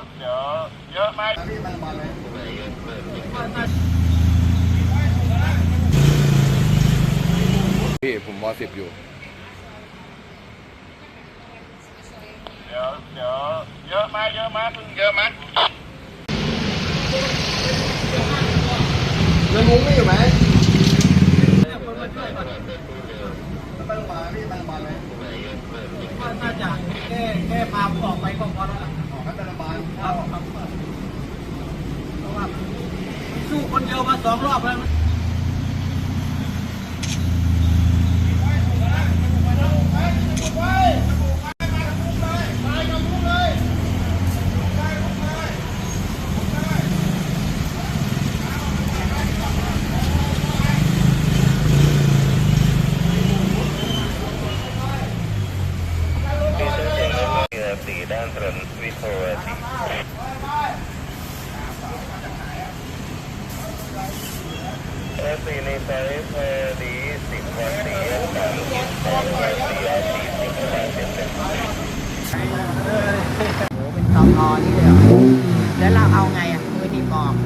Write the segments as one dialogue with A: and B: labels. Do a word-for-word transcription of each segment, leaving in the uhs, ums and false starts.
A: เดี๋ยวเยอะไหม
B: พี่ผมมสิบอยู่
A: เดี๋ยวเดี๋ยวเยอะไหมเยอะไหมเพิ่งเยอะไหม
C: เรื่องมุ้งไม่อยู่ไหมน่าจะแค่แค่พาผมออกไปก็พอแล้วออกให้เป็นระบายครับครับเพราะว่าสู้คนเดียวมาสองรอบแล้ว
A: สีด้านถนนวิภาวดีเอสีในซอยพอดีสิบวันดีสามสิบสองวันดีสี่สิบวันเจ็ดสิบ
D: โอ้เป็นตองอนี่เลยเหรอแล้วเราเอาไงอ่ะมือดีมอบ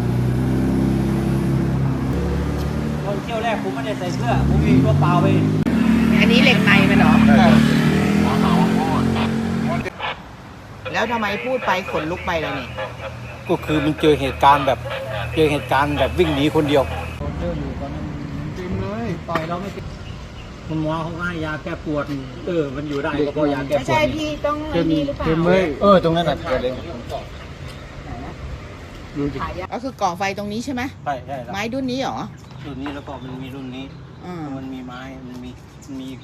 C: ตอนเที่ยวแรกผมไม่ได้ใส่เสื้อผมมีตัวเปล่าไป
D: อันนี้เหล็กในมันเหรอแล้วทำไมพูดไปขนลุกไปเลยนี่
C: ก็คือมันเจอเหตุการณ์แบบเจอเหตุการณ์แบบวิ่งหนีคนเดียวเดินอยู่ตอนนั้นจริงเลยต่อยเราไม่ติดคุณหมอเขาให้ยาแก้ปวดเออมันอยู่ได้ก็เพราะยาแก้ปวด
D: ไม่ใช่พี่ต้องไอ้นี่หรือเปล่า
C: เออตรงนั้นแหละเกิดเลย
D: ก็คือก่อไฟตรงนี้ใช่ไหม
C: ใช่ใช่
D: ไม้ดุ้นนี้เหรอ
C: รุ่นนี้แล้วก็มันมีรุ่นนี้มันมีไม้มันมีมันมี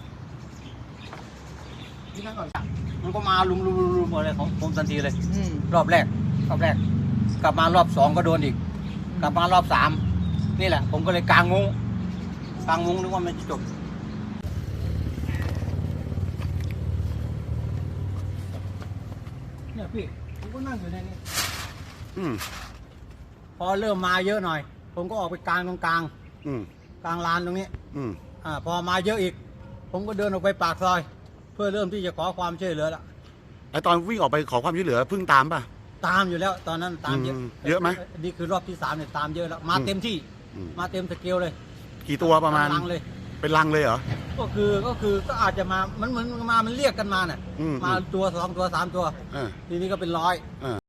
C: มันก็มาลุมลุมลุมอะไรของผมทันทีเลยรอบแรกรอบแรกกลับมารอบสองก็โดนอีกกลับมารอบสามนี่แหละผมก็เลยกางมุ้งกางมุ้งนึกว่ามันจะจบเนี่ยพี่ผมก็นั่งอยู่ในนี้พอเริ่มมาเยอะหน่อยผมก็ออกไปกลางตรงกลางกลางลานตรงนี้อ่าพอมาเยอะอีกผมก็เดินออกไปปากซอยเพื่อเริ่มที่จะขอความช่วยเหลือละ
B: ไอตอนวิ่งออกไปขอความช่วยเหลือเพิ่งตามป่ะ
C: ตามอยู่แล้วตอนนั้นตามเยอะ
B: เยอะไหม
C: นี่คือรอบที่สามเนี่ยตามเยอะแล้วมาเต็มที่มาเต็มสเกลเลย
B: กี่ตัวประมาณ
C: ลังเลย
B: เป็นลังเลยเหรอ
C: ก็คือก็คือก็อาจจะมามันเหมือนมามันเรียกกันมาเนี่ยมาตัวสองตัวสามตัวทีนี้ก็เป็นร้อย